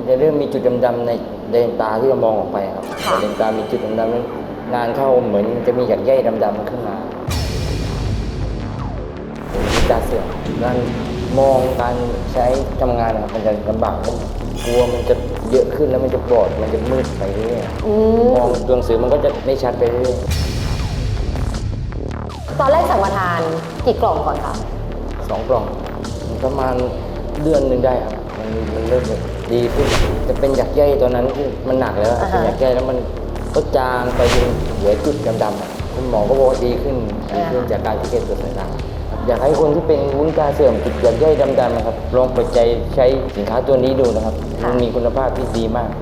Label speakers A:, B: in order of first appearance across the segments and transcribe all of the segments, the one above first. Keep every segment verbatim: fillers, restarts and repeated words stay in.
A: จะเริ่มมีจุดดำๆในเลนตาที่เรามองออกไปครับเลนตามีจุดดำๆนั้นนานเข้าเหมือนจะมีหยักใยดำๆขึ้นมาตาเสื่อมการมองการใช้ทำงานครับมันจะลำบากกลัวมันจะเยอะขึ้นแล้วมันจะบอดมันจะมืดไปเรื่อยมองตัวหนังสือมันก็จะไม่ชัดไปเรื่อย
B: ตอนแรกสั่งมาทานกี่กล่องก่อนคะ
A: สองกล่องประมาณเดือนหนึ่งได้ครับมันมันเริ่มดีขึ้นจะเป็นหยักใยตอนนั้นที่มันหนักแล้วเป็นหยักใยแล้วมันก็จางไปจนเหลือจุดดำๆคุณหมอก็บอกว่าดีขึ้นดีขึ้นจากการที่เก็บตัวสายตาอยากให้คนที่เป็นวุ้นตาเสื่อมจุดหยักใยดำๆนะครับลองเปิดใจใช้สินค้าตัวนี้ดูนะครับมันมีคุณภาพที่ดีมาก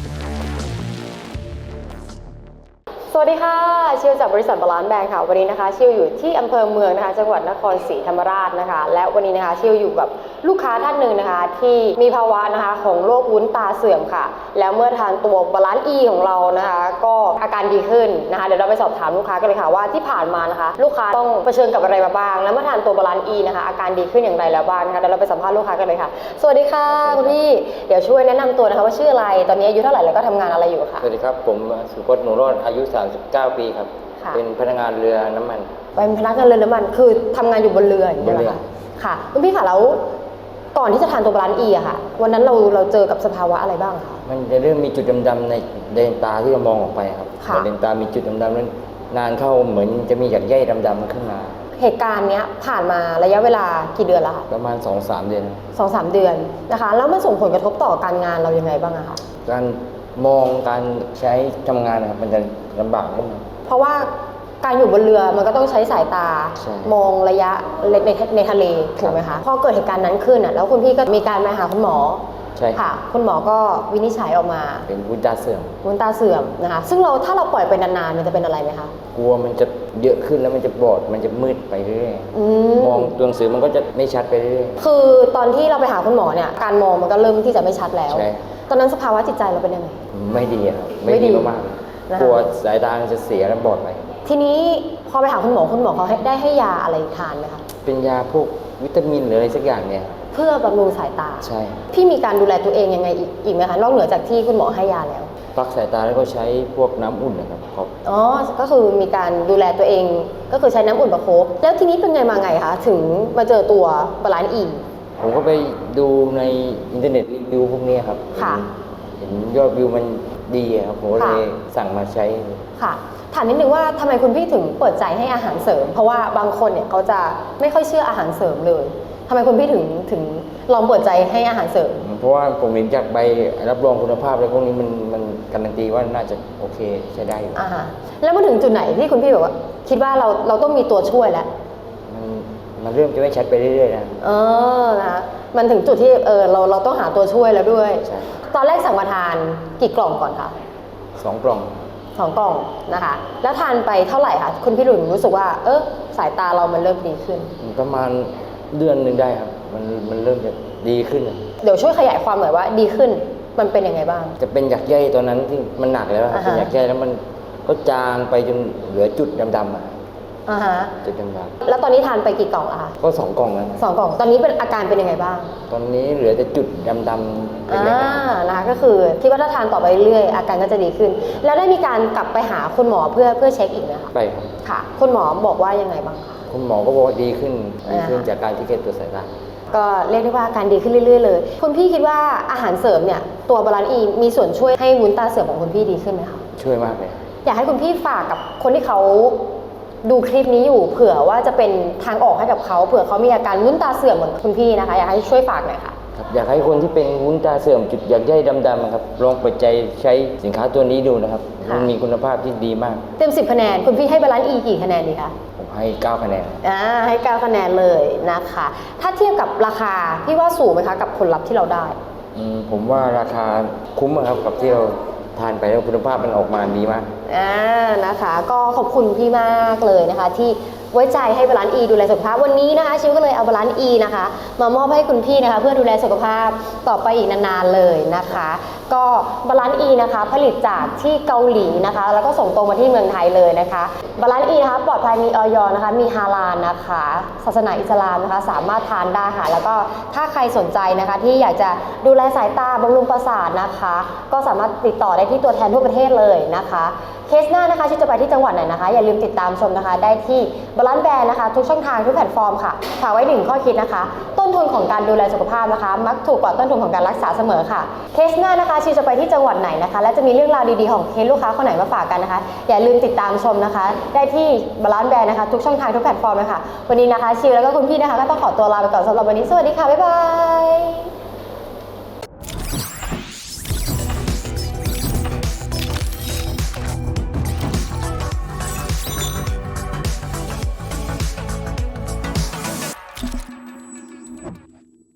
B: สวัสดีค่ะชิวจากบริษัทบาลานซ์แบงค์ค่ะวันนี้นะคะชิวอยู่ที่อำเภอเมืองนะคะจังหวัดนครศรีธรรมราชนะคะและวันนี้นะคะชิวอยู่กับลูกค้าท่านหนึ่งนะคะที่มีภาวะนะคะของโรควุ้นตาเสื่อมค่ะแล้วเมื่อทานตัวบาลานซ์ E ของเรานะคะก็อาการดีขึ้นนะคะเดี๋ยวเราไปสอบถามลูกค้ากันเลยค่ะว่าที่ผ่านมานะคะลูกค้าต้องเผชิญกับอะไรมาบ้างแล้วเมื่อทานตัวบาลานซ์ E นะคะอาการดีขึ้นอย่างไรแล้วบ้างนะคะเดี๋ยวเราไปสัมภาษณ์ลูกค้ากันเลยค่ะสวัสดีค่ะคุณพี่เดี๋ยวช่วยแนะนำตัวนะคะว่าชื่ออะไรตอนนี้อายุเท่าไหร่แล้วก็ทำงานอะไรอยู่ค่ะ
A: สวัสดีครับผมสุพจน์หนูรอดอายุสามสิบเก้าปีครับเป็นพนักงานเรือน้ำมัน
B: เป็นพนักงานเรือน้ำมันคือทำงานอยู่บนเรืออย่างเงี้ยเหรอคะค่ะคุณพี่ค่ะแล้วก่อนที่จะทานตัวบาลานซ์ E อะค่ะวันนั้นเราเราเจอกับสภาวะอะไรบ้างคะ
A: มันจะเริ่มมีจุดดำๆในเลนตาที่เรามองออกไปครับเลนตามีจุดดำๆนั้นนานเข้าเหมือนจะมีหยักใยดำๆขึ้นมา
B: เหตุการณ์เนี้ยผ่านมาระยะเวลากี่เดือนแล้วคะ
A: ประมาณ สองถึงสาม เดือน
B: สองถึงสาม เดือนนะคะแล้วมันส่งผลกระทบต่อการงานเรายังไงบ้างอะคะ
A: การมองการใช้ทำงานนะครับมันจะลำบากขึ้น
B: เพราะว่าการอยู่บนเรือมันก็ต้องใช้สายตามองระยะในในทะเลถูกไหมคะพอเกิดเหตุการณ์นั้นขึ้นอ่ะแล้วคุณพี่ก็มีการมาหาคุณหมอ
A: ใช่
B: ค่ะคุณหมอก็วินิจฉัยออกมา
A: เป็นวุ้นตาเสื่อม
B: วุ้นตาเสื่อมนะคะซึ่งเราถ้าเราปล่อยไปนานๆมันจะเป็นอะไรไหมคะ
A: กลัวมันจะเยอะขึ้นแล้วมันจะบอดมันจะมืดไปเรื่อยมองตัวหนังสือมันก็จะไม่ชัดไปเรื่อย
B: คือตอนที่เราไปหาคุณหมอเนี่ยการมองมันก็เริ่มที่จะไม่ชัดแล้วตอนนั้นสภาวะจิตใจเราเป็นยังไง
A: ไม่ดีครับไม่ดีมากๆกลัวสายตาจะเสียแล้วบอดไป
B: ทีนี้พอไปหาคุณหมอคุณหมอเขาได้ให้ยาอะไรทานไหมคะ
A: เป็นยาพวกวิตามินหรืออะไรสักอย่างเนี่ย
B: เพื่อบำรุงสายตา
A: ใช่
B: พี่มีการดูแลตัวเองยังไงอีกไหมคะนอกเหนือจากที่คุณหมอให้ยาแล้ว
A: พักสายตาแล้วก็ใช้พวกน้ำอุ่นนะครับครับ
B: อ๋อก็คือมีการดูแลตัวเองก็คือใช้น้ำอุ่นประคบแล้วทีนี้เป็นไงมาไงคะถึงมาเจอตัวบาลานซ์ E
A: ผมก็ไปดูในอินเทอร์เน็ตรีวิวพวกนี้ครับ
B: ค่ะ
A: เห็นยอดวิวมันดีครับผมเลยสั่งมาใช้
B: ค่ะถามนิดนึงว่าทำไมคุณพี่ถึงเปิดใจให้อาหารเสริมเพราะว่าบางคนเนี่ยเขาจะไม่ค่อยเชื่ออาหารเสริมเลยทำไมคุณพี่ถึงถึงลองเปิดใจให้อาหารเสริม
A: เพราะว่าผมเห็นจากใบรับรองคุณภาพอะไรพวกนี้มันมันการันตีว่าน่าจะโอเคใช้ได้อยู่
B: อ่าฮะแล้วมาถึงจุดไหนที่คุณพี่บอกว่าคิดว่าเราเราต้องมีตัวช่วยแล้ว
A: มันมันเริ่มจะไม่ชัดไปเรื่อยๆนะ
B: เออนะคะมันถึงจุดที่เออเราเราต้องหาตัวช่วยแล้วด้วย
A: ใช่
B: ตอนแรกสั่งมาทานกี่กล่องก่อนคะ
A: สองกล่อง
B: สองกล่องนะคะแล้วทานไปเท่าไหร่คะคุณพี่หลุนรู้สึกว่าเออสายตาเรามันเริ่มดีขึ้น
A: ประมาณเดือนหนึ่งได้ครับมันมันเริ่มจะดีขึ้น
B: เดี๋ยวช่วยขยายความหน่อยว่าดีขึ้นมันเป็นยังไงบ้าง
A: จะเป็นหยักใยตอนนั้นที่มันหนักแล้วเป็นหยักใยแล้วมันก็จางไปจนเหลือจุดดำๆอ่ะ
B: อ่าฮะ
A: จุดดำ
B: ๆแล้วตอนนี้ทานไปกี่กล่องอะคะ
A: ก็สองกล่องแล้ว
B: สองกล่องตอนนี้เป็นอาการเป็นยังไงบ้าง
A: ตอนนี้เหลือแต่จุดดำๆ
B: อ่านะคะก็คือคิดว่าถ้าทานต่อไปเรื่อยอาการก็จะดีขึ้นแล้วได้มีการกลับไปหาคุณหมอเพื่อเพื่อเช็คอีกไหมคะ
A: ไปครับ
B: ค่ะคุณหมอบอกว่ายังไงบ้างคะ
A: คุณหมอก็บอกว่าดีขึ้นดีขึ้นจากการที่เก็บตัวสายตา
B: ก็เรียกได้ว่าการดีขึ้นเรื่อยๆเลยคุณพี่คิดว่าอาหารเสริมเนี่ยตัวบาลานซ์ E มีส่วนช่วยให้วุ้นตาเสื่อมของคุณพี่ดีขึ้นไหมคะ
A: ช่วยมากเลย
B: อยากให้คุณพี่ฝากกับคนที่เขาดูคลิปนี้อยู่เผื่อว่าจะเป็นทางออกให้กับเขาเผื่อเขามีอาการวุ้นตาเสื่อมเหมือนคุณพี่นะคะอยากให้ช่วยฝากหน่อยค่ะ
A: อยากให้คนที่เป็นวุ้นตาเสื่อมจุดหยักใยดำๆครับลองเปิดใจใช้สินค้าตัวนี้ดูนะครับมันมีคุณภาพที่ดีมาก
B: เต็มสิบคะแนนคุณพี่ให้บาลานซ์ E กี่คะแนนดีคะ
A: ผมให้เก้าคะแนน
B: อ่าให้เก้าคะแนนเลยนะคะถ้าเทียบกับราคาพี่ว่าสูงไหมคะกับผลลัพธ์ที่เราได้
A: อืมผมว่าราคาคุ้มครับกับที่เราทานไปแล้วคุณภาพมันออกมาดีมาก
B: อ่านะคะก็ขอบคุณพี่มากเลยนะคะที่ไว้ใจให้บาลานซ์ E ดูแลสุขภาพวันนี้นะคะชิวก็เลยเอาบาลานซ์ E นะคะมามอบให้คุณพี่นะคะเพื่อดูแลสุขภาพต่อไปอีกนานๆเลยนะคะก็บาลานซ์ E นะคะผลิตจากที่เกาหลีนะคะแล้วก็ส่งตรงมาที่เมืองไทยเลยนะคะบาลานซ์ E นะคะปลอดภัยมีออยนะคะมีฮาลาลนะคะศาสนาอิสลามนะคะสามารถทานได้ค่ะแล้วก็ถ้าใครสนใจนะคะที่อยากจะดูแลสายตาบำรุงประสาทนะคะก็สามารถติดต่อได้ที่ตัวแทนทั่วประเทศเลยนะคะเคสหน้านะคะชิวจะไปที่จังหวัดไหนนะคะอย่าลืมติดตามชมนะคะได้ที่บาลานซ์แบรนด์นะคะทุกช่องทางทุกแพลตฟอร์มค่ะฝากไว้หนึ่งข้อคิดนะคะต้นทุนของการดูแลสุขภาพนะคะมักถูกกว่าต้นทุนของการรักษาเสมอค่ะเคสหน้านะคะชิวจะไปที่จังหวัดไหนนะคะและจะมีเรื่องราวดีๆของเคสลูกค้าคนไหนมาฝากกันนะคะอย่าลืมติดตามชมนะคะได้ที่บาลานซ์แบรนด์นะคะทุกช่องทางทุกแพลตฟอร์มเลยค่ะวันนี้นะคะชิวแล้วก็คุณพี่นะคะก็ต้องขอตัวลาไปก่อนสำหรับวันนี้สวัสดีค่ะบ๊ายบาย